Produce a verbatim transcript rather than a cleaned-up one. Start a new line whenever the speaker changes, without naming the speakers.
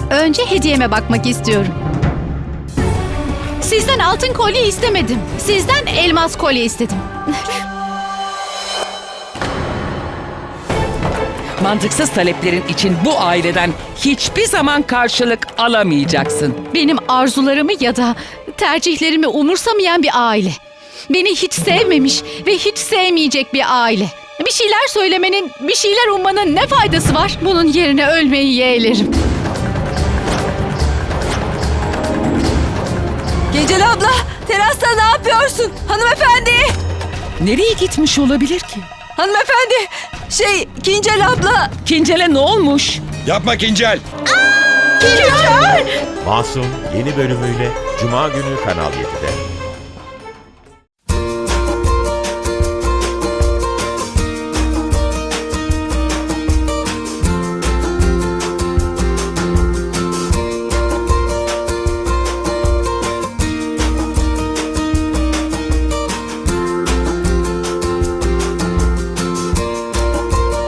Önce hediyeme bakmak istiyorum. Sizden altın kolye istemedim. Sizden elmas kolye istedim.
Mantıksız taleplerin için bu aileden hiçbir zaman karşılık alamayacaksın.
Benim arzularımı ya da tercihlerimi umursamayan bir aile. Beni hiç sevmemiş ve hiç sevmeyecek bir aile. Bir şeyler söylemenin, bir şeyler ummanın ne faydası var? Bunun yerine ölmeyi yeğlerim.
Gecel abla, terasta ne yapıyorsun? Hanımefendi!
Nereye gitmiş olabilir ki?
Hanımefendi! Şey, Kincel abla!
Kincel'e ne olmuş?
Yapma Kincel.
Kincel!
Masum yeni bölümüyle Cuma günü Kanal yedide.